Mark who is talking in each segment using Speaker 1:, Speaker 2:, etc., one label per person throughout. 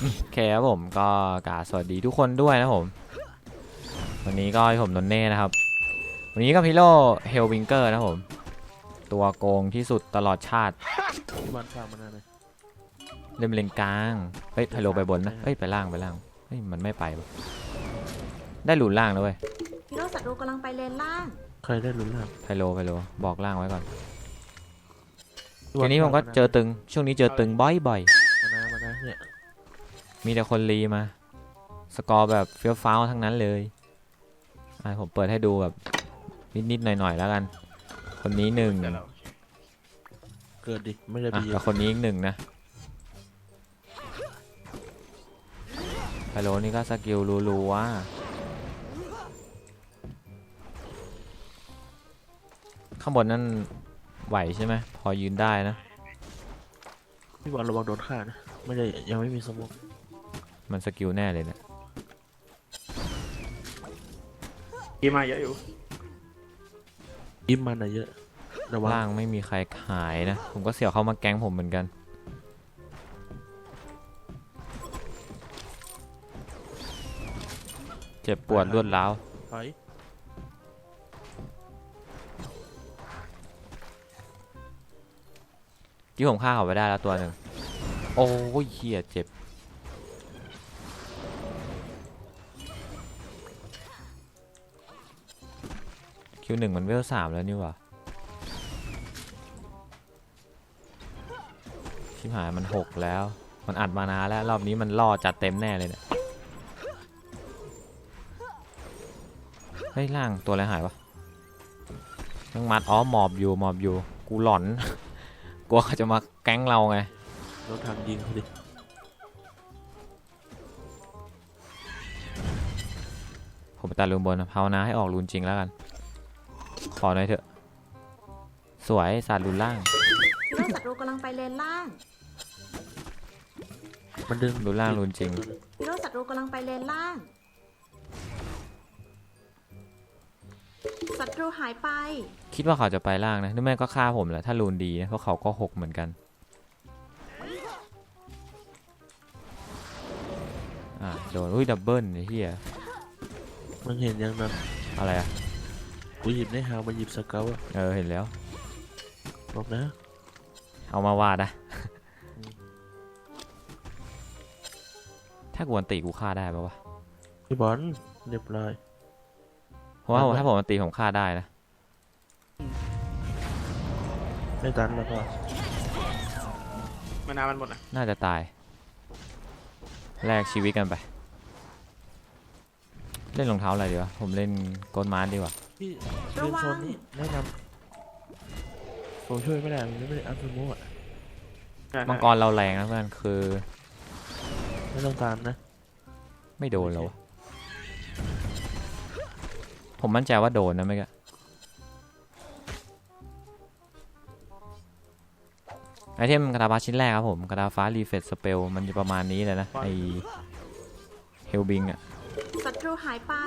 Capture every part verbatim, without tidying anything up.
Speaker 1: โอเคครับผมก็กราบสวัสดีทุกคนด้วยนะผมวันนี้ก็ผมนนเน่นะครับวันนี้ก็พิโร่เฮลวิงเกอร์นะผมตัวโกงที่สุดตลอดชาติ
Speaker 2: ที่มันฟังมันอะไร
Speaker 1: เล่นเลนกลางเฮ้ยไทโลไปบนนะเฮ้ยไปล่างไปล่างเฮ้ยมันไม่ไปได้หลุนล่างแล้วเว้ย
Speaker 3: ฮีโร่ศัตรูกำลังไปเลนล่าง
Speaker 2: ใครได้ลุ้นล่าง
Speaker 1: ไทโลไทโลบอกล่างไว้ก่อนทีนี้ผมก็เจอตึงช่วงนี้เจอตึงบ่อยบ่อย
Speaker 2: มานะมานะเนี่ย
Speaker 1: มีแต่คนรีมาสกอร์แบบเฟี้ยวฟ้าวทั้งนั้นเลยอ่ะผมเปิดให้ดูแบบนิดๆหน่อยๆแล้วกันคนนี้หนึ่ง
Speaker 2: เกิดดิไม่ได้ไปเย
Speaker 1: อะคนนี้อีกหนึ่งนะไฮโลนี่ก็สกิลรัวๆข้างบนนั่นไหวใช่ไหมพอยืนได้นะ
Speaker 2: พี่บอลระวังโดนฆ่านะไม่ได้ยังไม่มีสมอง
Speaker 1: มันสกิลแน่เลยเนี่ย
Speaker 4: กินมาเยอะอยู่
Speaker 2: ยิ้มมันอะเยอะระวัง
Speaker 1: ล่างไม่มีใครขายนะผมก็เสี่ยวเข้ามาแก๊งผมเหมือนกันเจ็บปวดรวดร้าวที่ผมฆ่าเขาไปได้แล้วตัวหนึ่งโอ้ยเหี้ยเจ็บคิวหนึ่งมันเวลสามแล้วนี่หว่าชิบหายมันหกแล้วมันอัดมานานแล้วรอบนี้มันล่อจัดเต็มแน่เลยเนี่ยเฮ้ยล่างตัวอะไรหายวะต้องมัดอ๋อหมอบอยู่หมอบอยู่กูหลอนกลัวเขาจะมาแก๊งเราไง
Speaker 2: รถทางยิงเขาดิ
Speaker 1: ผมไปตัดรูนบนภาวนาให้ออกรูนจริงแล้วกันขอหน่อยเถอะสวยสาดรูนล่าง
Speaker 3: ฮีโร่ศัตรูกำลังไปเลนล่าง
Speaker 2: มันดึง
Speaker 1: รูนล่างรูนจริง
Speaker 3: ฮีโร่ศัตรูกำลังไปเลนล่างศัตรูหายไป
Speaker 1: คิดว่าเขาจะไปล่างนะนึกแม่ก็ฆ่าผมแหละถ้ารูนดีนะเพราะเขาก็หกเหมือนกันอ่าโดนอุ้ยดับเบิลไอ้เหี้ย
Speaker 2: มันเห็นยังนั้น
Speaker 1: อะไรอ่ะ
Speaker 2: กูหยิบในหางมันหยิบสเกลอะ
Speaker 1: เออเห็นแล้ว
Speaker 2: บอกนะ
Speaker 1: เอามาวาดนะถ้ากวนตีกูฆ่าได้ปะวะ
Speaker 2: พี่บอลเรียบร้อย
Speaker 1: เพราะว่าถ้าผมตีผมฆ่าได้นะ
Speaker 2: ไม่ตันแล้วก็
Speaker 4: มานามันหมดนะ
Speaker 1: น่าจะตายแลกชีวิตกันไปเล่นรองเท้าอะไรดีวะผมเล่นโกลมาร์ดีกว่า
Speaker 2: พี่เล่นโซนนี้แนะนำผมช่วยไม่ได้ผมไม่ได้อัพสมูท
Speaker 1: มังกรเราแรงนะเพื่อนคือ
Speaker 2: ไม่ต้องตามนะ
Speaker 1: ไม่โดนแล้วผมมั่นใจว่าโดนนะไม่กะไอเทมกระดาษฟ้าชิ้นแรกครับผมกระดาษฟ้ารีเฟซสเปลมันจะประมาณนี้เลยนะไอเฮลบิงอะ
Speaker 3: ศัตรูหายไป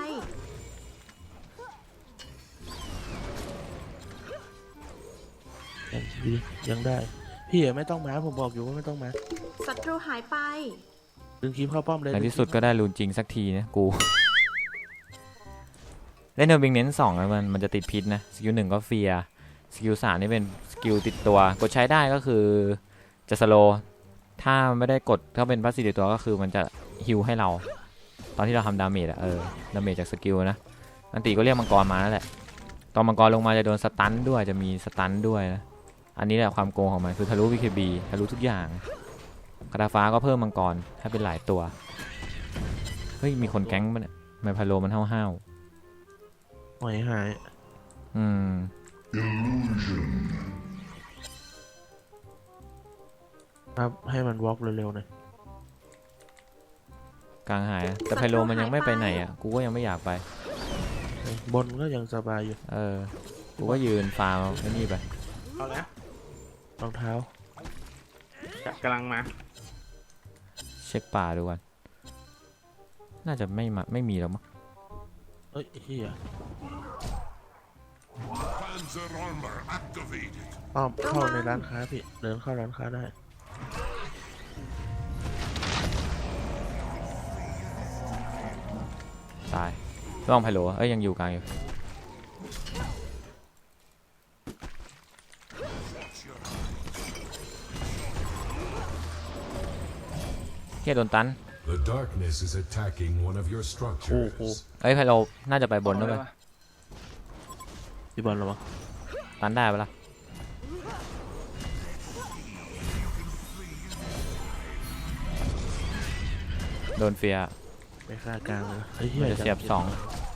Speaker 2: ยังได้พี่ไม่ต้องมาผมบอกอยู่ว่าไม่ต้องมา
Speaker 3: ศัตรูหายไป
Speaker 2: ดึงคีบเข้าป้อมเลย
Speaker 1: ในที่สุดก็ได้รูนจริงสักทีนะกูเล่นเฮลบิงเน้นสองแล้วมันมันจะติดพิษนะสกิลหนึ่งก็เฟียสกิลสามนี่เป็นสกิลติดตัวกดใช้ได้ก็คือจะสโลถ้าไม่ได้กดถ้าเป็นพาสซีฟติดตัวก็คือมันจะฮิลให้เราตอนที่เราทำดาเมจอะเออดาเมจจากสกิลนะอันตีก็เรียกมังกรมานั่นแหละตอนมังกรลงมาจะโดนสตันด้วยจะมีสตันด้วยนะอันนี้แหละความโกงของมันคือทะลุ วี เค บี ทะลุทุกอย่างกระดาฟ้าก็เพิ่มมังกรให้เป็นหลายตัวเฮ้ยมีคนแก๊งมันเนี่ยไมพาโลมันห้าว
Speaker 2: หายหาย
Speaker 1: อืม
Speaker 2: ครับให้มันวอล์กเร็วๆหน่อย
Speaker 1: กลางหายแต่ไพโลมันยังไม่ไปไหนอ่ะกูก็ยังไม่อยากไป
Speaker 2: บนก็ยังสบายอยู่
Speaker 1: เออกูก็ยืนฟาร์มไอ้นี่ไป
Speaker 4: เอาแล้ว
Speaker 2: รองเท้า
Speaker 4: กำลังมา
Speaker 1: เช็คป่าดูกันน่าจะไม่มาไม่มีแล้วมั้ง
Speaker 2: เอ้ยเฮียอ้อมเข้าในร้านค้าพี่เดินเข้าร้านค้าได้
Speaker 1: ระวังไพโลเอ้ยยังอยู่กลางอยู่เฮียโดนตัน
Speaker 5: The darkness is attacking one of your structures.
Speaker 1: เอ้ยไพโลน่าจะไปบนด้วย
Speaker 2: พี่บอลระวัง
Speaker 1: ตันได้ปะล่ะโดนเฟียร์
Speaker 2: ไปฆ่ากลางเลยไอ้เหี้
Speaker 1: มัน
Speaker 2: ย
Speaker 1: จะเสียบสอง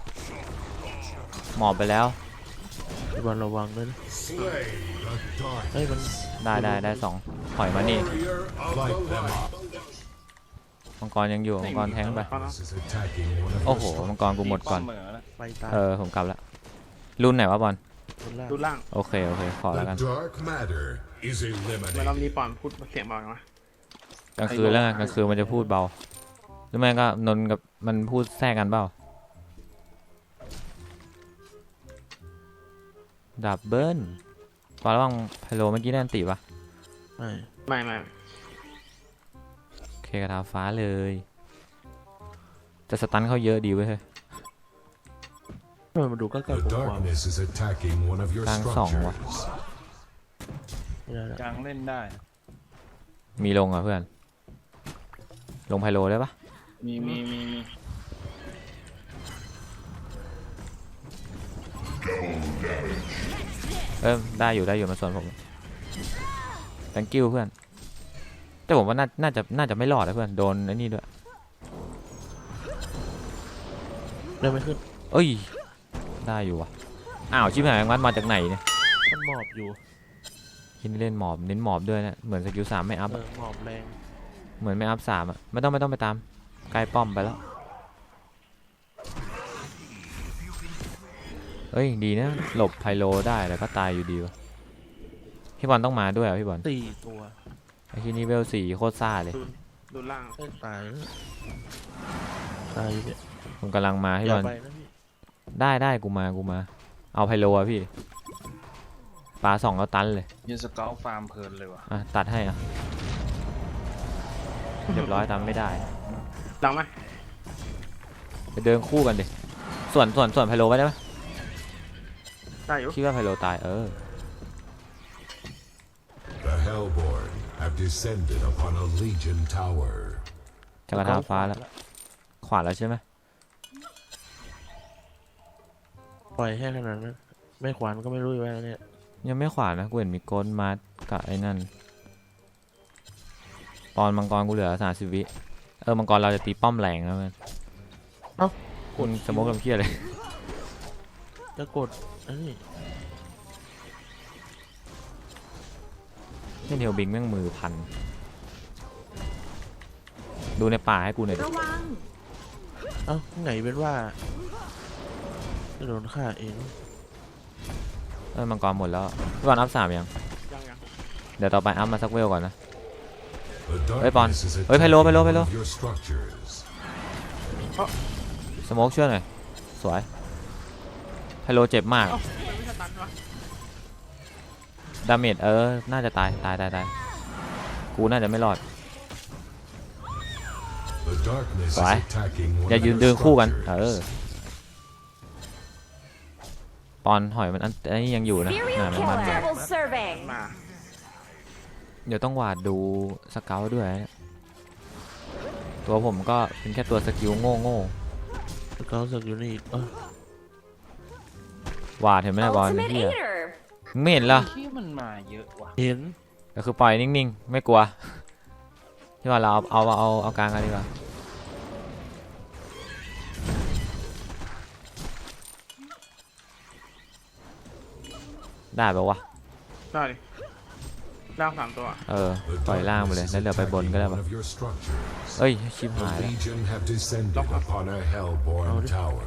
Speaker 1: หมอบไปแล้ว
Speaker 2: พี่บอลระวังด้วยนะ
Speaker 5: Slay the dark.
Speaker 2: เฮ้ยมัน
Speaker 1: ได้ได้ได้สองถอยมานี่
Speaker 5: Warrior of the light.
Speaker 1: มังกรยังอยู่มังกรแทงไป
Speaker 5: This is attacking one of
Speaker 1: โอ้
Speaker 5: your
Speaker 1: โห
Speaker 5: structures.
Speaker 1: มังกรกูหมดก่อน
Speaker 6: เหมือนะ
Speaker 2: ไปตาย
Speaker 1: เออผมกลับแล้วรุ่นไหนวะบอล
Speaker 2: คนล่าง
Speaker 4: ดูล่าง
Speaker 1: โอเคโอเคขอแล้วกัน
Speaker 5: The dark matter is
Speaker 4: เมื่อรอบ
Speaker 5: eliminated.
Speaker 4: นี้ปอนพูดเสียงเบาจังวะ
Speaker 1: กลางคืนแล้วไงกลางคืนมันจะพูดเบาหรือไม่ก็นนท์กับมันพูดแทรกกันเปล่าดับเบิลตอนระหว่างไพโลเมื่อกี้ได้อันติปะ
Speaker 2: ไม่
Speaker 4: ไม่ไม่
Speaker 1: โอเคกระทาฟ้าเลยจะสตันเขาเยอะดีเว้ยเฮ้ย
Speaker 2: ทำไมมันดูใกล้
Speaker 5: The
Speaker 2: ๆผมกว่า
Speaker 5: darkness is attacking one of your
Speaker 1: Đang sòng quá.
Speaker 5: structures.
Speaker 2: ไม่ได้ละ
Speaker 6: กลางเล่นได้
Speaker 1: มีลงอ่ะเพื่อนลงไพโลได้ปะ
Speaker 6: มีมีมีมี
Speaker 1: เออได้อยู่ได้อยู่มาส่วนผม thank you เพื่อนแต่ผมว่าน่าน่าจะน่าจะไม่รอดนะเพื่อนโดนไอ้นี่ด้วย
Speaker 2: ได้ไม่ขึ้น
Speaker 1: เอ้ยได้อยู่ว่ะอ้าวชิบหายมันมาจากไหนเนี่ย
Speaker 2: มันหมอบอยู่
Speaker 1: คิดเล่นหมอบเน้นหมอบด้วยนะเหมือนสกิลสามไม่อัพ
Speaker 2: เอ
Speaker 1: อะ
Speaker 2: อหมอบแรง
Speaker 1: เหมือนไม่อัพสามอ่ะไม่ต้องไม่ต้องไปตามใกล้ป้อมไปแล้วเอ้ยดีนะหลบไพโลได้แต่ก็ตายอยู่ดีวะพี่บอลต้องมาด้วยอ่ะพี่บอล
Speaker 2: สี่ตัว
Speaker 1: ไอ้ที่นี่เวลสี่โคตรซ่าเลย
Speaker 4: ดูดูล่าง
Speaker 2: ได้ตายแล้วตายอยู่เนี่ย
Speaker 1: ผมกำลังมา
Speaker 2: อ
Speaker 1: พี่บ
Speaker 2: ย่า
Speaker 1: อล
Speaker 2: ไปนะพี่
Speaker 1: ได้ได้กูมากูมา เอาไพโลอะพี่ปลาสองแล้วตันเลย
Speaker 6: ยืนสเกลฟาร์มเพลินเลยว่ะ
Speaker 1: อ่ะตัดให้อ่ะเรียบร้อยตามไม่ได้
Speaker 4: ล่างไหม
Speaker 1: ไปเดินคู่กันดิส่วนส่วนส่วนไพโลไว้ได้ไหม
Speaker 4: ได้อยู่
Speaker 1: คิดว่าไพโลตายเออ
Speaker 5: The Hellborn have descended upon a Legion tower.
Speaker 1: จะกระทาฟ้าแล้วขวาแล้วใช่ไหม
Speaker 2: ปล่อยแค่ขนาดนั้นไม่ขวานก็ไม่รู้อยู่ว่าเนี่ย
Speaker 1: ยังไม่ขวานะกูเห็นมีโกนมากับไอ้นั่นปอนมังกรกูเหลือสามสิบวิเออมังกรเราจะตีป้อมแรงแล้วมันคุณสโมกลำเคียเลย
Speaker 2: จะกดอันนี้
Speaker 1: เล่นเฮลบิงแม่งมือพันดูในป่าให้กูหน่อยดิ
Speaker 3: ระวัง
Speaker 2: เอ้าไงเป็นว่าจะโดนฆ่าเอง
Speaker 1: เออมังกรหมดแล้วพี่บอลอัพสามยัง
Speaker 4: ยังยัง
Speaker 1: เดี๋ยวต่อไปอัพมาสักเวลก่อนนะ
Speaker 5: The
Speaker 1: Ê, Bon.
Speaker 5: darkness is
Speaker 1: Ê, Philo, Philo,
Speaker 5: attacking
Speaker 1: Philo.
Speaker 5: one of your structures.
Speaker 1: สโมกช่วยหน่อยสวยไพโลเจ็บมาก
Speaker 4: เอ้าทำไมไม่สตันวะ
Speaker 1: ดาเมจเออน่าจะตายตายตายตายกูน่าจะไม่รอด
Speaker 5: The darkness is
Speaker 1: Phải.
Speaker 5: attacking one
Speaker 1: อย่า
Speaker 5: of
Speaker 1: ยืน
Speaker 5: your
Speaker 1: เดินคู่กันเออ
Speaker 5: structures.
Speaker 1: ปอนหอยมันอันอันนี้ยังอยู่นะ
Speaker 7: Serial
Speaker 1: น่ามันมัน
Speaker 7: killer. Double survey.
Speaker 4: มา
Speaker 1: เดี๋ยวต้องหวาดดูสเกลด้วยนะตัวผมก็เป็นแค่ตัวสกิลโง่โง่
Speaker 2: แล้วเขาสึกอยู่นี่อีกเออ
Speaker 1: หวาดเห็นไหมนะบอล
Speaker 7: Ultimate
Speaker 1: เฮีย
Speaker 7: Eater.
Speaker 1: ไม่เห็นเหรอ
Speaker 6: ที่มันมาเยอะว่ะ
Speaker 2: เห็น
Speaker 1: ก็คือปล่อยนิ่งๆไม่กลัวที่ว่าเราเอาเอาเอาเอากลางกันดีกว่าได้ปะวะ
Speaker 4: ได้ดิล่างสามตัว
Speaker 1: เออ
Speaker 5: The
Speaker 1: ปล่อยล่างไปเลย
Speaker 5: darkness
Speaker 1: แล้ว
Speaker 5: is
Speaker 1: เดี๋ยวไปบน
Speaker 5: attacking
Speaker 1: ก็ได้
Speaker 5: one
Speaker 1: ปะ
Speaker 5: of your structures.
Speaker 1: เอ้ยชิบ
Speaker 5: The
Speaker 1: หายแล้ว
Speaker 5: Legion have descended upon a Hellborn tower.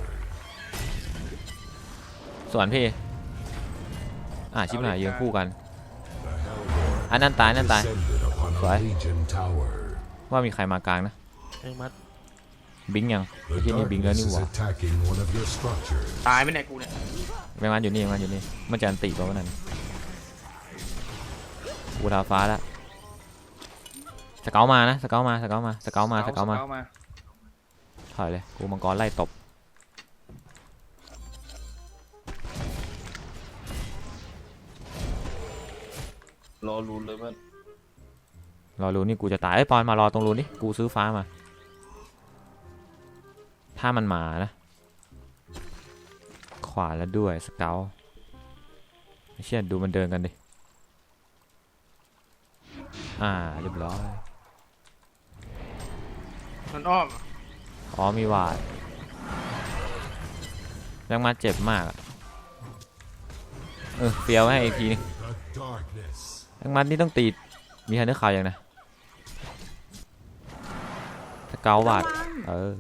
Speaker 1: ส่วนพี่อ่ะชิบหายยืนคู่กัน
Speaker 5: The Hellborn
Speaker 1: อันนั้นตายอันนั้นตาย
Speaker 5: descended upon a
Speaker 1: Phải.
Speaker 5: Legion tower.
Speaker 1: ว่ามีใครมากลางนะ
Speaker 2: แองมัด
Speaker 1: บิงยังไอ้
Speaker 5: The
Speaker 1: ที่นี่บิงแล้ว
Speaker 5: darkness
Speaker 1: นี่ห
Speaker 5: is
Speaker 1: ว่า
Speaker 5: attacking one of your structures.
Speaker 4: ตายไหมเนี่ยกูเนี่ย
Speaker 1: แมงวันอยู่นี่แมงวันอยู่นี่มันจะอันติตัวนั้นกูทาฟ้าแล้วสเกลมานะสเกลมาสเกลมาสเกลมาสเกลมา
Speaker 6: สเกลมา
Speaker 1: ถอยเลยกูมังกรไล่ตบ
Speaker 6: รอรุนเลยเพื่อน
Speaker 1: รอรูนี่กูจะตายไอ้ยปอนมารอตรงรูนี่กูซื้อฟ้ามา ถ้ามันมานะ ขวาแล้วด้วยสเกลไม่เชื่อดูมันเดินกันดิ อ่าเรียบร้อย
Speaker 4: มันอ้อมอะ
Speaker 1: อ๋อมีวาดยังมาเจ็บมากอะเออเฟี้ยวให้อีกทีนึง
Speaker 5: The darkness.
Speaker 1: ยังมัดนี่ต้องตีมีฮันเดอร์ข่าวยังนะสเกลวาด
Speaker 3: ระวัง
Speaker 1: เออ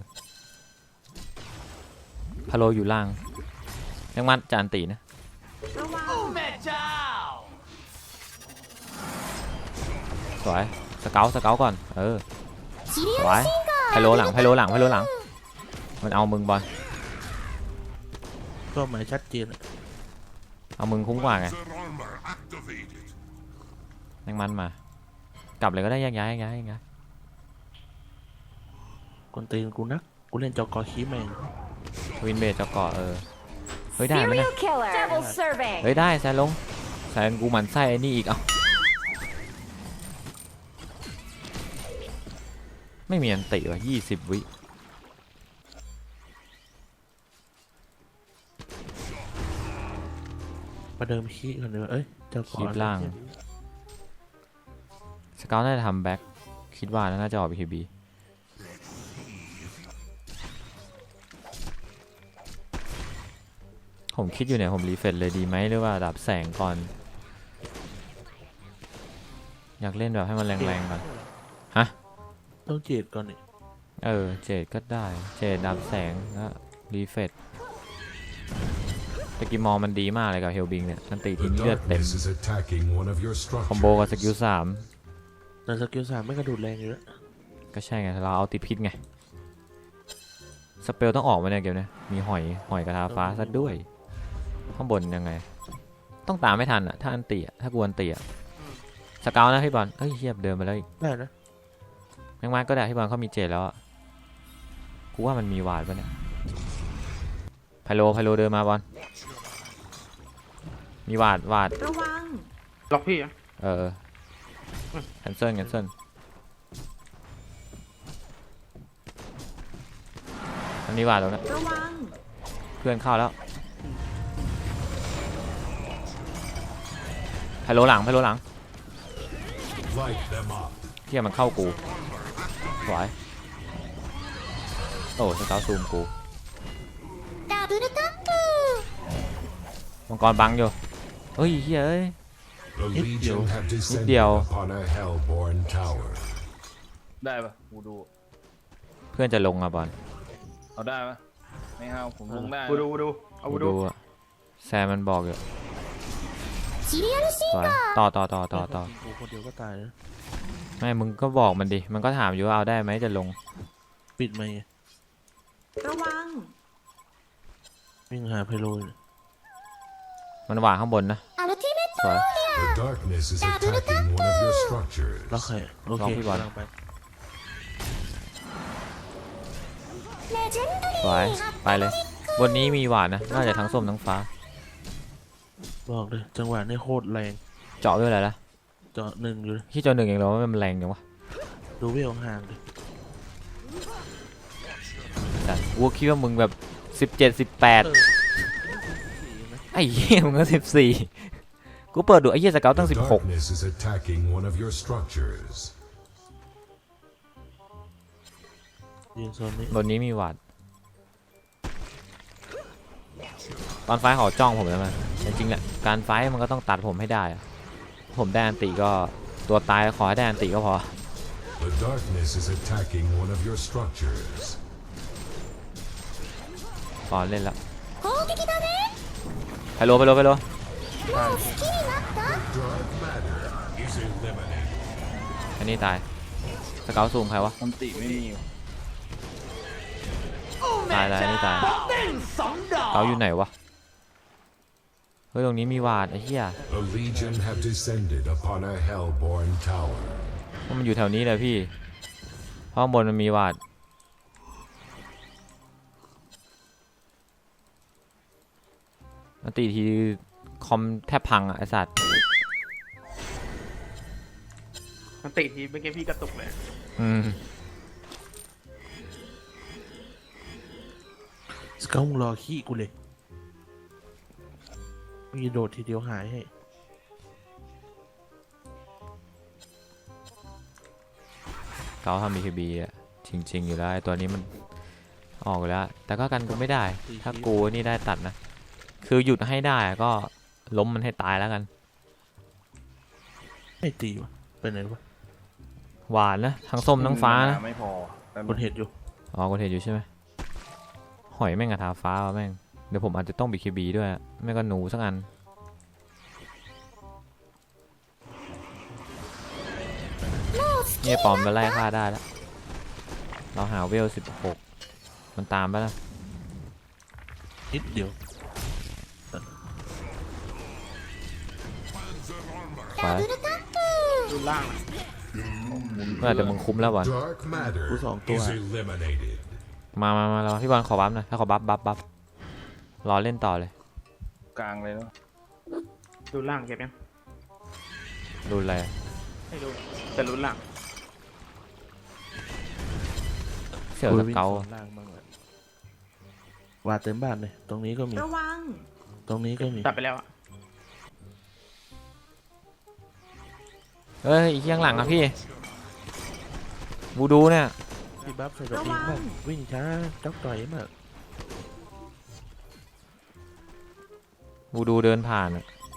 Speaker 1: พะโลอยู่ล่างยังมัดจานตีนะ
Speaker 3: ระวัง
Speaker 1: สวยสเกลสเกลก่อนเออสวยไพโลหลังไพโลหลังไพโลหลังมันเอามึงบอล
Speaker 2: ก็หมายชัดเจนอะ
Speaker 1: เอามึงคุ้มกว่าไง
Speaker 5: Panzer armor activated.
Speaker 1: ยังมันมากลับเลยก็ได้แยกย้ายแยกย้ายแยกย้าย
Speaker 2: กวนตีนกูนะกูเล่นจอกอคีแมง
Speaker 1: วินเบจจะเกาะเออเฮ้ยได้ไหมนะ
Speaker 7: Serial killer. Double survey.
Speaker 1: เฮ้ยได้แซนลงแซนกูหมันไส้ไอ้นี่อีกเอ้าไม่มีอันติว่ะยี่สิบวิ
Speaker 2: ประเดิมคีก่อนเลยเอ้ยจอกอ
Speaker 1: คลิปล่างสเกลน่าจะทำแบ็คคิดว่าน่าจะออกบี เค บี ผมคิดอยู่เนี่ยผมรีเฟรชเลยดีไหมหรือว่าดับแสงก่อน อยากเล่นแบบให้มันแรงๆก่อน
Speaker 2: ต้องเจดก่อนนี่
Speaker 1: เออเจดก็ได้เจดดับแสงแล้วรีเฟรชตะกี้มองมันดีมากเลยกับเฮลบิงเนี่ยมันตีที
Speaker 5: The
Speaker 1: เลือดเต็ม
Speaker 5: darkness is attacking one of your
Speaker 1: คอมโบกับสกิล
Speaker 5: structures.
Speaker 1: สาม
Speaker 2: แต่สกิลสามไม่กระโดดแรงอยู่แล้ว
Speaker 1: ก็ใช่ไงเราเอาติดพิษไงสเปลต้องออกมาเนี่ยเกมเนี่ยมีหอยหอยกระทาฟ้าซะด้วยข้างบนยังไง ต้องตามไม่ทันอ่ะถ้าอันตีอ่ะถ้ากวนตีอ่ะสเกลนะพี่บอลเฮ้ยเฮียบเดินไปแล้วอีก
Speaker 2: ได้นะ
Speaker 1: แมงมันก็ได้พี่บอลเขามีเจดแล้วอ่ะกูว่ามันมีวาดปะเนี่ยไพโลไพโลเดินมาบอลมีวาดวาด
Speaker 3: ระวัง
Speaker 4: ล็อกพี่อะ
Speaker 1: เออแคนเซิลแคนเซิลอันนี้วาดแล้วนะ
Speaker 3: ระวัง
Speaker 1: เพื่อนเข้าแล้วไพโลหลังไพโลหลัง
Speaker 5: Light them up.
Speaker 1: เที่ยมันเข้ากูสวยโอ้สเกลซูมกู
Speaker 7: Double tap.
Speaker 1: มังกรบังอยู่เฮ้ยเฮ้ยเอ้ย
Speaker 5: The Legion have descended
Speaker 1: Điều.
Speaker 5: upon a hellborn tower.
Speaker 6: ได้ปะกูดู
Speaker 1: เพื่อนจะลงอ่ะบอล
Speaker 6: เอาได้ปะไม่เอาผมลงได้
Speaker 4: กูดูกูดูเอากูดู
Speaker 1: ดูอะแซมมันบอกอยู่
Speaker 7: Serial
Speaker 1: สวยต่อต่อต่อต่อต่อ
Speaker 2: กูคนเดียวก็ตายแล้ว
Speaker 1: ไม่มึงก็บอกมันดิมันก็ถามอยู่ว่าเอาได้ไหมจะลง
Speaker 2: ปิดไหมค์
Speaker 3: ระวัง
Speaker 2: วิ่งหาไพโลเลย
Speaker 1: มันวางข้างบนนะ
Speaker 7: Ultimate
Speaker 1: สวย
Speaker 5: The darkness is attacking one of your structures.
Speaker 2: ล็อกใครโอ
Speaker 1: ล
Speaker 2: เค
Speaker 1: องพี่บอล
Speaker 2: กำลังไป
Speaker 7: Legendary.
Speaker 1: สวยไปเลยบนนี้มีหวานนะน่าจะทั้งส้มทั้งฟ้า
Speaker 2: บอกเลยจังหวะนี้โคตรแรง
Speaker 1: เจาะด้วยอะไรล่ะ
Speaker 2: เจาะหนึ่งอยู่เลย
Speaker 1: ที่เจาะหนึ่งเองเหรอว่ามันแรงจังวะ
Speaker 2: ดูเวลห่างเลย
Speaker 1: แต่กูคิดว่ามึงแบบสิบเจ็ดสิบแปด
Speaker 2: เออสี่นะ
Speaker 1: ไอ้เหี้ยมึงก็สิบสี่กูเปิดดูไอ้เหี้ยสเกลตั้ง
Speaker 5: The
Speaker 1: สิบหก
Speaker 5: darkness is attacking one of your structures.
Speaker 2: ยืนโซนนี้
Speaker 1: บนนี้มีหวาดตอนไฟท์เขาจ้องผมแล้วมันจริงๆแหละการไฟท์มันก็ต้องตัดผมให้ได้อะผมได้อันติก็ตัวตายขอให้ได้อันติก็พอ
Speaker 5: The darkness is attacking one of your structures.
Speaker 1: ก่อนเล่นแล้ว
Speaker 7: 攻撃だね。
Speaker 1: ไปโลไปโลไปโล
Speaker 7: もう好きになった。
Speaker 5: Dark matter is eliminated.
Speaker 1: อันนี้ตายสเกลซูมใครวะ
Speaker 6: มันติไม่มีว่ะ
Speaker 1: ตายตายอันนี้ตายเกาอยู่ไหนวะเฮ้ยตรงนี้มีวาดไอ้เหี้ย
Speaker 5: The Legion have descended upon a hellborn tower.
Speaker 1: ว่ามันอยู่แถวนี้เลยพี่เพราะข้างบนมันมีวาดมันตีทีคอมแทบพังอ่ะไอสัตว์
Speaker 4: มันติทีเมื่อกี้พี่กระตุกเลย
Speaker 1: อืม
Speaker 2: สเกลมึงรอขี้กูเลยมีโดดทีเดียวหายให้
Speaker 1: เขาทำ บี เค บี อ่ะจริงๆอยู่แล้วไอ้ตัวนี้มันออกอยู่แล้ว แต่ก็กันกูไม่ได้ ถ้ากูนี่ได้ตัดนะ คือหยุดให้ได้ก็ล้มมันให้ตายแล้วกัน
Speaker 2: ไม่ตีวะเป็นไงวะ
Speaker 1: หวานนะ ทั้งส้มทั้งฟ้านะ
Speaker 6: ไม่พอแต่
Speaker 2: คนเห็นอยู่
Speaker 1: อ๋อกูเห็นอยู่ใช่ไหมหอยแม่งกระทาฟ้าวะแม่ง เดี๋ยวผมอาจจะต้อง บี เค บี ด้วยอะไม่ก็หนูสักอัน เนี่ยปอมไปไล่ฆ่าได้แล้ว เราหาเวลสิบหกมันตามไปแล้ว
Speaker 2: นิดเดียว
Speaker 1: ไป
Speaker 7: ダブルタップ
Speaker 4: ดูล่างอะ
Speaker 1: เมื่อแต่มึงคุ้มแล้วบอล
Speaker 5: Dark matter
Speaker 2: Who's onตัว?
Speaker 5: is eliminated.
Speaker 1: มามามาเราพี่บอลขอบัฟหน่อยถ้าขอบัฟบัฟบัฟรอเล่นต่อเลย
Speaker 6: กลางเลยเนาะ
Speaker 4: ดูล่างเก็บยัง
Speaker 1: รุนอะไร
Speaker 4: ไม่รู้แต่รู้ล่าง
Speaker 1: เสี่ยวสเกล
Speaker 2: กูวิ่งโซนล่างบ้างแหละวาดเต็มบ้านเลย ตรงนี้ก็มี
Speaker 3: ระวัง
Speaker 2: ตรงนี้ก็มี
Speaker 4: ตัดไปแล้วอะ
Speaker 1: เอ้ยอีกข้างหลังอะพี่บูดูเนี่ย
Speaker 2: พี่บัฟใส่ดอกอิงมากวิ่งช้าจักต่อยมาก
Speaker 1: บูดูเดินผ่านอะ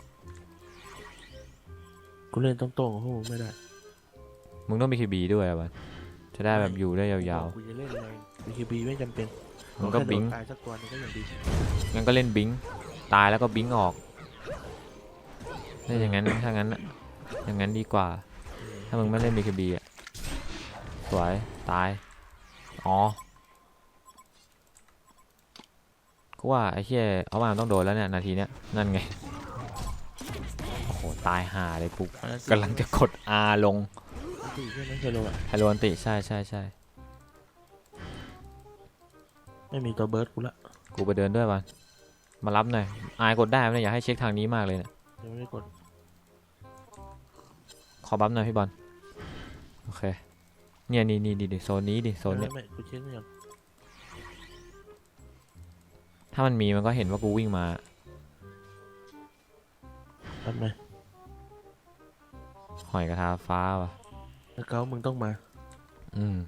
Speaker 2: กูเล่นตรงๆกับพวกมึงไม่ได้
Speaker 1: มึงต้องมีคีบีด้วยอะบอลจะได้แบบอยู่ได้ยาว
Speaker 2: กูจะเล่นแรงบีเคบีไม่จำเป็น
Speaker 1: ๆมึงก็บิง
Speaker 2: ตายสักตัวนึงก็ยังดี
Speaker 1: งั้นก็เล่นบิงตายแล้วก็บิงออกเล่นอย่างนั้นถ้างั้นอะอย่างนั้นดีกว่า ถ้ามึงไม่เล่นบีเคบีอะสวยตายอ๋อกูว่าไอ้เหี้ยเอามาต้องโดนแล้วเนี่ยนาทีเนี้ยนั่นไงโอ้โหตายห่าเลยกูกำลังจะกด R ลง
Speaker 2: ตีใช่ไหมเชโลอะ
Speaker 1: ไฮโลอันติใช่ใช่ใช่
Speaker 2: ไม่มีตัวเบิร์ดกูละ
Speaker 1: กูไปเดินด้วยวันมารับหน่อยอายกดได้ไหมเนี่ยอยากให้เช็คทางนี้มากเลยเนี่ย
Speaker 2: ยังไม่ได้กด
Speaker 1: ขอบัฟหน่อยพี่บอลโอเคเนี่ยนี่นี่ดิดิโซนนี้ดิโซนเนี้ย
Speaker 2: ไม่ไม่กูเช็คไม่ยัง
Speaker 1: ถ้ามันมีมันก็เห็นว่ากูวิ่งมา
Speaker 2: ทำไม
Speaker 1: หอยกระทาฟ้าว่ะ
Speaker 2: แล้วเก้ามึงต้องมา
Speaker 1: อืม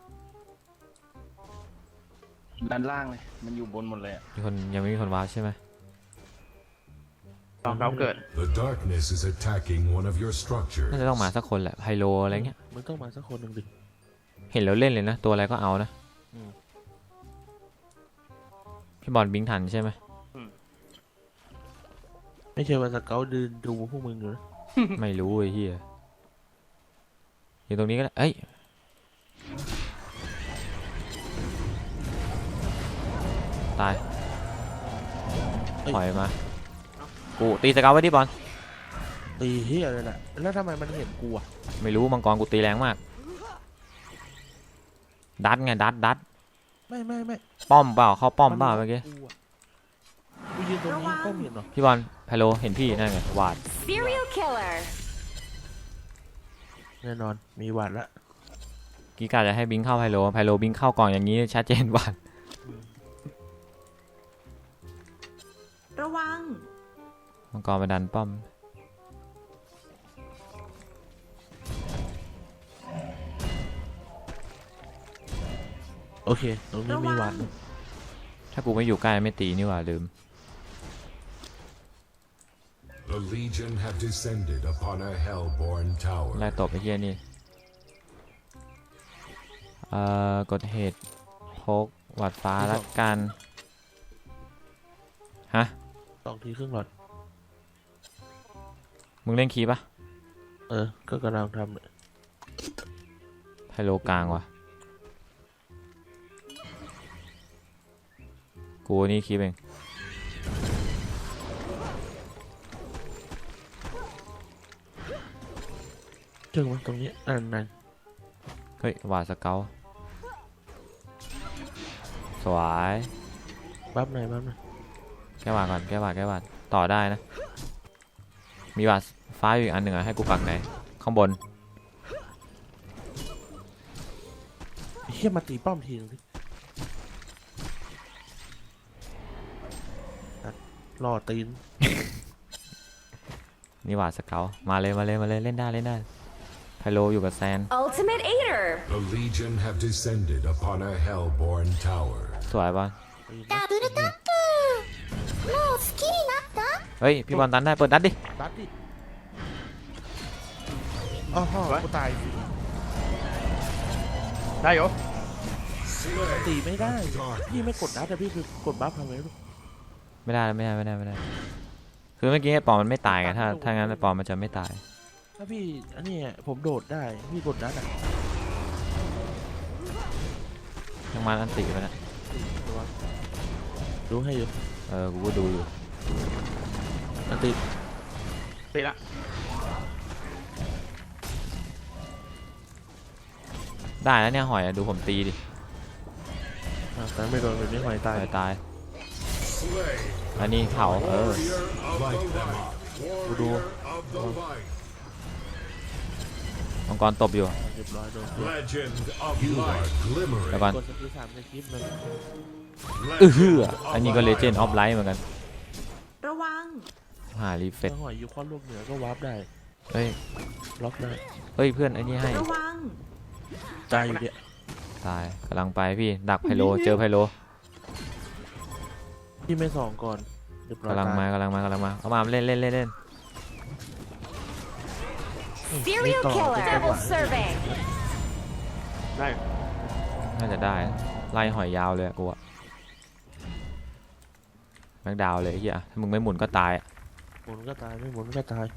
Speaker 6: ด้านล่างเลย มันอยู่บนหมดเลยอะ
Speaker 1: มีคนยังไม่มีคนว้าร์ปใช่ไหม
Speaker 4: ตอนเขาเกิด
Speaker 5: The darkness is attacking one of your structures.
Speaker 1: น่าจะต้องมาสักคนแหละไฮโลอะไรเงี้ย
Speaker 2: มึงต้องมาสักคนหนึ่งดิ
Speaker 1: เห็นแล้วเล่นเลยนะตัวอะไรก็เอานะ
Speaker 2: อืม
Speaker 1: พี่บอลบิงทันใช่ไหม
Speaker 2: ไม่ใช่ว่าสเกลเดินดูพวกมึงอยู่นะ
Speaker 1: ไม่รู้ไอ้เหี้ยอยู่ตรงนี้ก็ได้เอ้ยตายถอยมากูตีสเกลไว้ดิบอล
Speaker 2: ตีเฮียเลยแหละแล้วทำไมมันเห็นกูอ่ะ
Speaker 1: ไม่รู้มังกรกูตีแรงมาก ดัดไงดัดดัด
Speaker 2: ไม่ไม่ไม่
Speaker 1: ป้อมเปล่าเข้าป้อมเปล่าเมื่อกี้
Speaker 2: กูอะกูยืนตรงนี้ป้อมเห็นเหรอ
Speaker 1: พี่บอลไฮโลเห็นพี่นั่นไงวาด
Speaker 7: serial killer
Speaker 2: แน่นอนมีหวัดละ
Speaker 1: กีกาจะให้บิงเข้าไฮโลไฮโลบิงเข้าก่อนอย่างนี้ชัดเจนวาด
Speaker 3: ระวัง
Speaker 1: มังกรมาดันป้อม
Speaker 2: โอเคตรงนี้
Speaker 3: ระ
Speaker 2: มี
Speaker 3: วั
Speaker 2: หวั
Speaker 3: ง
Speaker 2: ด
Speaker 1: ถ้ากูไม่อยู่ใกล้ไม่ตีนี่หว่าลืม
Speaker 5: The Legion have descended upon a hellborn tower.
Speaker 1: ไล่ตบไอ้เหี้ยนี่เอ่อกดเหตุพกหวัดฟ้าละกันฮะ
Speaker 2: สองทีครึ่งหลอด
Speaker 1: มึงเล่นคีย์ปะ
Speaker 2: เออก็กำลังทำเนี่ย
Speaker 1: ไฮโลกลางว่ะกูนี่คีย์เอง
Speaker 2: เจอมันตรงนี้นั่นนั่น
Speaker 1: เฮ้ยหวาดสเกลสวย
Speaker 2: บัฟหน่อยบัฟหน่อย
Speaker 1: แก้หวาดก่อนแก้หวาดแก้หวาดต่อได้นะ มีหวาดฟ้าอยู่อีกอันหนึ่งอะให้กูปักไหนข้างบน
Speaker 2: เฮียมาตีป้อมทีนึงดิอ่ะรอตีน
Speaker 1: นี่หว่าสเกลมาเลยมาเลยมาเลยเล่นได้เล่นได้ไพโลอยู่กับแซน
Speaker 7: Ultimate Eater
Speaker 5: The Legion have descended upon a hellborn tower.
Speaker 1: สวยบอล
Speaker 7: ダブルタップもう好きになった
Speaker 1: เฮ้ยพี่บอลตันได้เปิดดัดดิ
Speaker 2: ดัดดิอ้าวกูตายสิ
Speaker 4: ได้เหรอ
Speaker 2: ตีไม่ได้พี่ไม่กดดัดแต่พี่คือกดบัฟทำไมลูก
Speaker 1: ไม่ได้ไม่ได้ไม่ได้ไม่ได้คือเมื่อกี้ไอ้ปอมมันไม่ตายไงถ้าถ้างั้นไอ้ปอมมันจะไม่ตาย
Speaker 2: ถ้าพี่อันนี้ผมโดดได้พี่กดดัดอ่ะ
Speaker 1: ยังมาอันติไปนะ
Speaker 2: ตัวดูให้อยู่
Speaker 1: เออกูก็ดูอยู่
Speaker 2: อันติ
Speaker 4: ตีละ
Speaker 1: ได้แล้วเนี่ยหอยอะดูผมตีดิ
Speaker 2: อ่ะแต่ไม่โดนแบบนี้หอยตาย
Speaker 1: หอยตายอันนี้เผาเออ
Speaker 5: Light them up.
Speaker 2: กูดู
Speaker 5: Of the light.
Speaker 1: มังกรตบอยู่
Speaker 2: เรียบร้อยโดน
Speaker 5: Legend of you light. Are glimmering.
Speaker 1: แล้วก่อน
Speaker 2: กดสกิลสามในคลิปมัน
Speaker 1: เออฮืออันนี้ก็เลเจนด์ออฟไลท์เหมือนกัน
Speaker 3: ระวัง
Speaker 1: หารีเฟก
Speaker 2: ถ้าหอยอยู่ข้อลูกเหนือก็วาร์ปได้
Speaker 1: เฮ้ย
Speaker 2: ล็อกได้
Speaker 1: เฮ้ยเพื่อนไอ้นี่ให้
Speaker 3: ระวัง
Speaker 2: ตายอยู่เนี่ย
Speaker 1: ตายกำลังไปพี่ดักไพโลเจอไพโล
Speaker 2: พี่ไม่ส่องก่อนเรียบร้อย
Speaker 1: กำลังมากำลังมากำลังมาเอามาเล่นเล่นเล่นเล่น
Speaker 7: Serial Killer Double Serving
Speaker 4: ได้
Speaker 1: น่าจะได้ไล่หอยยาวเลยอะกูอะแม็กดาวน์เลยไอ้เฮียถ้ามึงไม่หมุนก็ตายอะ
Speaker 2: หมุนก็ตายไม่หมุนก็ตาย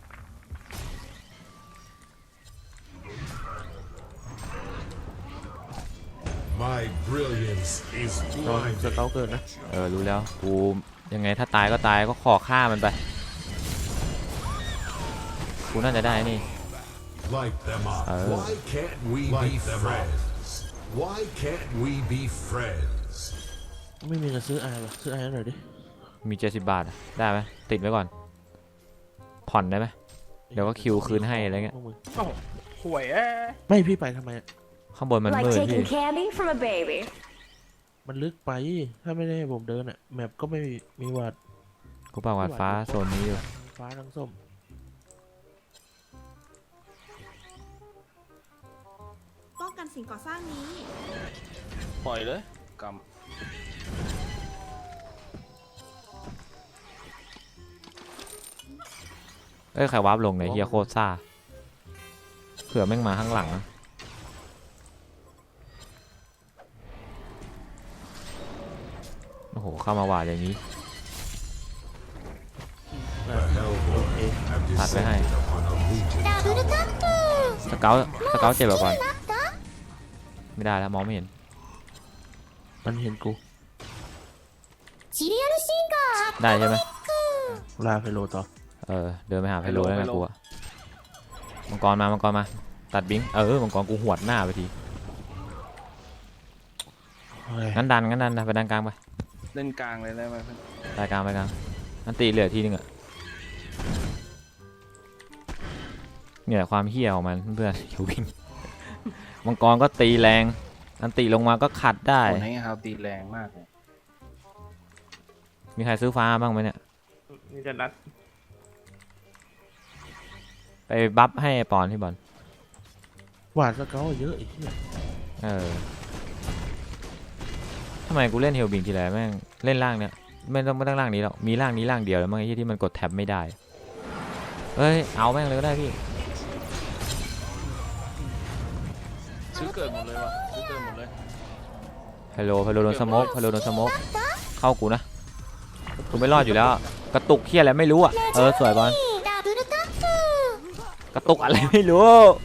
Speaker 5: My brilliance is
Speaker 2: ตอนส
Speaker 5: blinding.
Speaker 2: เกลเกินนะ
Speaker 1: เออรู้แล้วกูยังไงถ้าตายก็ตายก็ขอฆ่ามันไปกูน่าจะได้นี่
Speaker 5: Light them up.
Speaker 1: Oh.
Speaker 5: Why can't we be friends? Why can't we be friends?
Speaker 2: ไม่มีเงินซื้อไอหรอซื้อไอหน่อยดิ
Speaker 1: มีเจ็ดสิบบาทอะได้ไหมติดไว้ก่อน ผ่อนได้ไหม เดี๋ยวก็คิวคืนให้อะไรเงี้ย
Speaker 2: พวกมึง
Speaker 4: โอ้โหห่วยเอ้ย
Speaker 2: ไม่พี่ไปทำไมอะ
Speaker 1: ข้างบนมัน
Speaker 7: Like
Speaker 1: มืดพี่
Speaker 7: taking candy from a baby
Speaker 2: มันลึกไปถ้าไม่ได้ให้ผมเดินอะแมปก็ไม่มีวัด
Speaker 1: กูปากวาดฟ้าโซนนี้อยู่
Speaker 2: ฟ้าทั้งส้ม
Speaker 3: ป้องกันสิ่งก่อสร้างนี้
Speaker 6: ปล่อยเลยก
Speaker 1: เอ้ยใครวาร์ปลงเนี่ยเฮียโคตรซ่าเผื่อแม่งมาข้างหลังนะโอ้โหเข้ามาวาดอย่างนี้
Speaker 2: อ่ะโอเค
Speaker 5: Have
Speaker 1: Phạt với hai.
Speaker 5: descended upon a legion
Speaker 7: ダブルタッ
Speaker 1: สเกลสเกลเจ็บแบบก่อน
Speaker 7: プなった
Speaker 1: ไม่ได้แล้วมองไม่เห็น
Speaker 2: มันเห็นกู
Speaker 7: シリアルシンガー
Speaker 1: ได้ใช่ไหม
Speaker 2: ลาไฟโลต่อ
Speaker 1: เออเดินไปหาไพโลแล้วนะกูอะมังกรมามังกรมาตัดบิงเออมังกรกูหวดหน้าไปที
Speaker 2: เฮ้ย
Speaker 1: งั้นดันงั้นดันนะไปดันกลางไป
Speaker 6: ำเล่นกลางเลยได้ไหมเพื่อน
Speaker 1: ไปกลางไปกลางอันตีเหลือทีนึงอะเนี่ยความเหี้ยของมันเพื่อนๆอย่าวิ่งมังกรก็ตีแรงอันตีลงมาก็ขัดได้
Speaker 6: คนให้ฮาวตีแรงมากเลย
Speaker 1: มีใครซื้อฟ้าบ้างไหมเนี่ย
Speaker 4: นี่จะรัด
Speaker 1: ไปบัฟให้ปอนที่บอล
Speaker 2: หวานสเกลเยอะอีกเนี่ย
Speaker 1: เออทำไมกูเล่นเฮลบิงทีไรแม่งเล่นล่างเนี่ยไม่ต้องไม่ต้องล่างนี้หรอกมีล่างนี้ล่างเดียวแล้วมั้งไอ้ที่ที่มันกดแท็บไม่ได้เฮ้ยเอาแม่งเลยก็ได้พี่
Speaker 6: ซื้อเกิดหมดเลยว่ะซื้อเกิดหมดเลย
Speaker 1: ฮัลโหลฮัลโหลโดนสโมกฮัลโหลโดนสโมกเข้ากูนะกูไม่รอดอยู่แล้วกระตุกเฮียอะไรไม่รู้อ่ะเออสวยบอล
Speaker 7: ダブルタップ
Speaker 1: กระตุกอะไรไม่รู้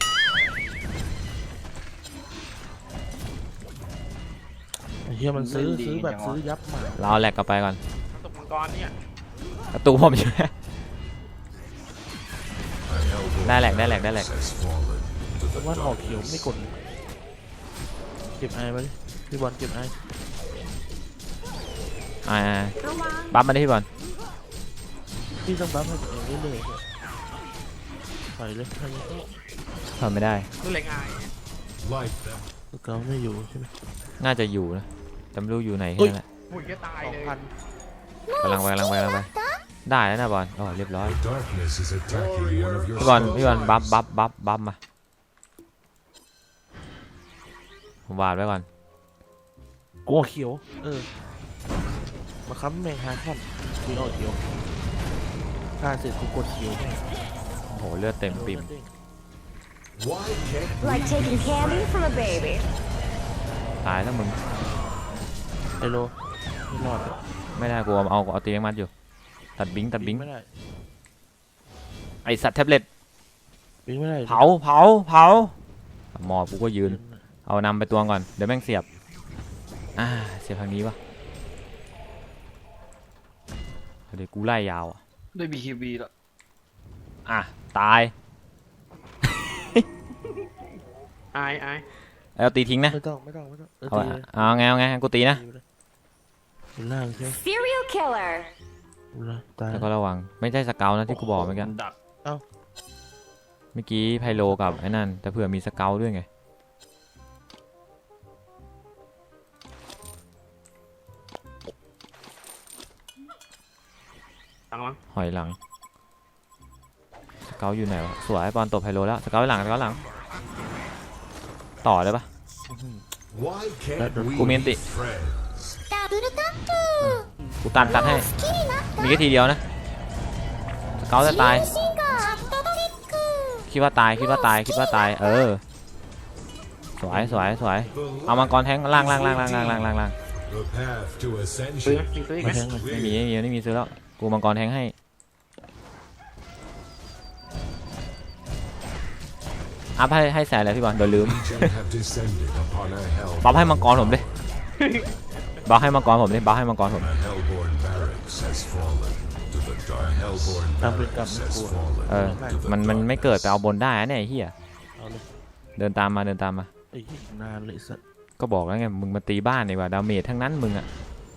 Speaker 2: ไอ้เฮียมันซื้อซื้อแบบซื้อยับมา
Speaker 1: เราเอาแหลกกลับไปก่อน
Speaker 4: ตกมังกรเนี่ย
Speaker 1: กระตุกผมอยู่
Speaker 5: A hellborn
Speaker 1: ได้แหลกได้แหลกได้แหลก
Speaker 5: has fallen to the
Speaker 2: ว่าออก
Speaker 5: dark.
Speaker 2: เขียวไม่กดเก็บไอมาดิพี่บอลเก็บไอ
Speaker 1: อ่า
Speaker 3: ระวัง
Speaker 1: บัฟมาได้พี่บอล
Speaker 2: พี่ต้องบัฟให้ตัวเองเรื่อยๆเนี่ยปล่อยเลยให้
Speaker 1: ทำไม่ได้
Speaker 4: นี่แหละง่าย
Speaker 5: Light them.
Speaker 2: สเกลไม่อยู่ใช่ไหม
Speaker 1: น่าจะอยู่นะแต่ไม่รู้อยู่ไหนแค่นั้นแหละ
Speaker 4: หุ่ยก็ตาย
Speaker 2: สอง
Speaker 4: เลย
Speaker 2: พัน
Speaker 1: กำลังไปกำลังไปกำลังไปได้แล้วนะบอลอ๋อเรียบร้อย
Speaker 5: The darkness is attacking one of your
Speaker 1: พี่บอลพี่บอล
Speaker 5: structures.
Speaker 1: บัฟบัฟบัฟบัฟมาผมวาดไว้ก่อน
Speaker 2: กลัวเขียวเออมาค้ำแมงฮาคอนมีออกเขียวฆ่าเสร็จกูกดเขียวแม่ง
Speaker 1: โอ้โหเลือดเต็มปิ่ม
Speaker 5: Why can't we
Speaker 7: Like taking candy from a baby.
Speaker 1: ตายแล้วมึง
Speaker 2: ไอโลไม่รอดเลย
Speaker 1: ไม่ได้กูเอาเอาเอาตีแมงมัดอยู่ตัดบิงตัดบิง
Speaker 2: ไม่ได้
Speaker 1: ไอสัตว์แท็บเล็ต
Speaker 2: บิงไม่ได้
Speaker 1: เผาเผาเผาหมอบกูก็ยืนเอานำไปตัวก่อนเดี๋ยวแม่งเสียบอ่าเสียบทางนี้วะเดี๋ยวกูไล่ยาวอะ
Speaker 6: ได้ บี เค บี แล้ว
Speaker 1: อ่ะตาย
Speaker 4: อายอาย
Speaker 1: เอาตีทิ้งนะ
Speaker 2: ไม่ต้องไม่ต้องไม่ต้องเออ
Speaker 1: เอา
Speaker 2: ตี
Speaker 1: อะ
Speaker 2: เลย
Speaker 1: เอาไงเอาไงกูตีนะ
Speaker 2: ตีไปเลยเป็นล่างใช่ไหม
Speaker 7: Serial killer.
Speaker 2: ดูนะตาย
Speaker 1: แล้วก็ระวังไม่ใช่สเกลนะที่กูบอกเมื่อกี้
Speaker 6: ดัก
Speaker 1: เมื่อกี้ไพโลกับไอ้นั่นแต่เผื่อมีสเกลด้วยไง
Speaker 4: ตังมั้ง
Speaker 1: หอยหลังสเกลอยู่ไหนวะสวยบอลตบไพโลแล้วสเกลหลังสเกลหลังต่อได้ปะ
Speaker 5: Why can't we
Speaker 1: Comiente.
Speaker 5: be friends?
Speaker 7: ダブルタップ。
Speaker 1: กูตันตัดให้
Speaker 7: 好きになっ
Speaker 1: มีแค่ทีเดียวนะสเกลจะตาย
Speaker 7: た。シンガー。チャットトリック。
Speaker 1: คิดว่าตายคิดว่าตายคิดว่าตายเออสวยสวยสวย
Speaker 5: The
Speaker 1: เอามัง
Speaker 5: light
Speaker 1: กรแทงล่างล่างล่างล่างล่างล่างล่างล่าง
Speaker 5: The path to
Speaker 4: ซื้อ
Speaker 5: ascension
Speaker 4: นะซื้ออีกไหม
Speaker 2: มาแทงเลย
Speaker 1: ไม่มีไม่มีไม่มีซื้อแล้วกูมังกรแทงให้อัพให้ให้แสนเลยพี่บอลเดี๋ยวลืม
Speaker 5: Legion have descended upon a hell.
Speaker 1: บัฟให้มังกรผมดิบัฟให้มังกรผมดิบัฟให้มังกรผม
Speaker 5: A hellborn barracks has fallen to the dark. Hellborn
Speaker 2: ตามไปกลับ
Speaker 5: barracks
Speaker 2: ไม่
Speaker 5: has
Speaker 2: กลัว
Speaker 5: fallen
Speaker 1: เออ
Speaker 5: to the
Speaker 1: มันมัน
Speaker 5: dark.
Speaker 1: ไม่เกิดไปเอาบนได้นะเนี่ยไอ้เฮีย
Speaker 2: เอาเลย
Speaker 1: เดินตามมาเดินตามมา
Speaker 2: ไอ้ยี่นานเลยสัตว์
Speaker 1: ก็บอกแล้วไงมึงมาตีบ้านดีกว่าดาเมจทั้งนั้นมึงอะ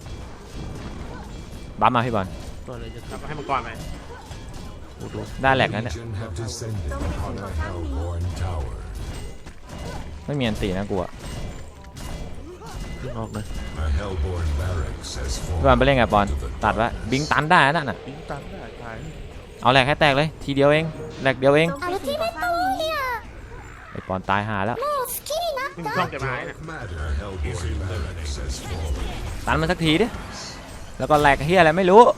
Speaker 1: บัฟมาพี่บอล
Speaker 2: ตัวอะไรจะ
Speaker 4: กลับ
Speaker 2: ทำ
Speaker 4: มาให้มังกรไป
Speaker 2: โอ้โห
Speaker 1: ได้แหลกแล้วเนี่ย
Speaker 5: Legion have descended upon a hellborn tower.
Speaker 1: ไม่มีอันตีนะกูอะ
Speaker 2: ขึ้นออกเลย
Speaker 5: A hellborn barracks has
Speaker 1: พี่บอล
Speaker 5: fallen
Speaker 1: ไปเล่นไงบอล
Speaker 5: to the
Speaker 1: ตัดไว้บิงตันได้นั่นน่ะ
Speaker 2: บิงตันได้ตาย
Speaker 1: เอาแหลกให้แตกเลยทีเดียวเองแหลกเดียวเอง
Speaker 3: โจมตีสิ่งก่อสร้างนี้
Speaker 1: ไอ้ปอนตายหาแล้ว
Speaker 7: もう好きになっ
Speaker 4: นี่มึงช่องเก็บไม้เนี่ย
Speaker 5: dark matter. Hellborn barracks has fallen.
Speaker 1: ตันมันสักทีดิแล้วก็แหลกเฮียอะไรไม่รู้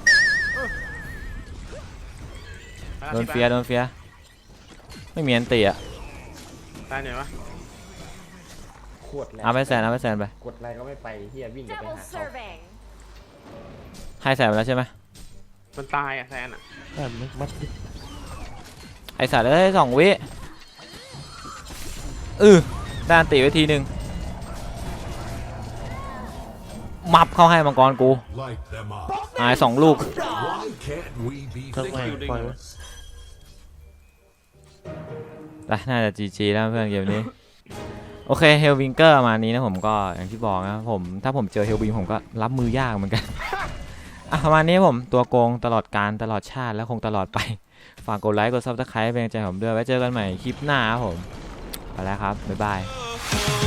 Speaker 1: โดนเฟียร์โดนเฟียร์ไม่มีอันตีอะ
Speaker 4: ตายไหนวะ
Speaker 8: ขวดแรง
Speaker 1: เอาไปแสนเอาไปแสนไป
Speaker 8: กดอะไรก็ไม่ไปเฮียวิ่งจะไป
Speaker 7: Double
Speaker 8: หาเขา
Speaker 7: serving.
Speaker 1: ให้แสนไปแล้วใช่ไหม
Speaker 4: มันตายอ่ะแซนอ่ะ
Speaker 2: ได้ไหมมัดดิ
Speaker 1: ไอสัตว์เอ้ยสองวิอือได้อันตีไว้ทีหนึ่งมับเข้าให้มังกรกู
Speaker 5: Light them up.
Speaker 1: อายสองลูก
Speaker 5: Why can't we be
Speaker 2: ทำไมปล่อยไว้
Speaker 5: friends?
Speaker 1: แต่น่าจะ จี จี แล้วเพื่อนเกมนี้ โอเคเฮลวิงเกอร์มานี้นะผมก็อย่างที่บอกนะผมถ้าผมเจอเฮลวิงผมก็รับมือยากเหมือนกัน อ่ะประมาณนี้ผมตัวโกงตลอดการตลอดชาติและคงตลอดไป ฝากกดไลค์กดซับสไครป์เป็นกำลังใจให้ผมด้วยไว้เจอกันใหม่คลิปหน้าครับผมไปแล้วครับบ๊ายบาย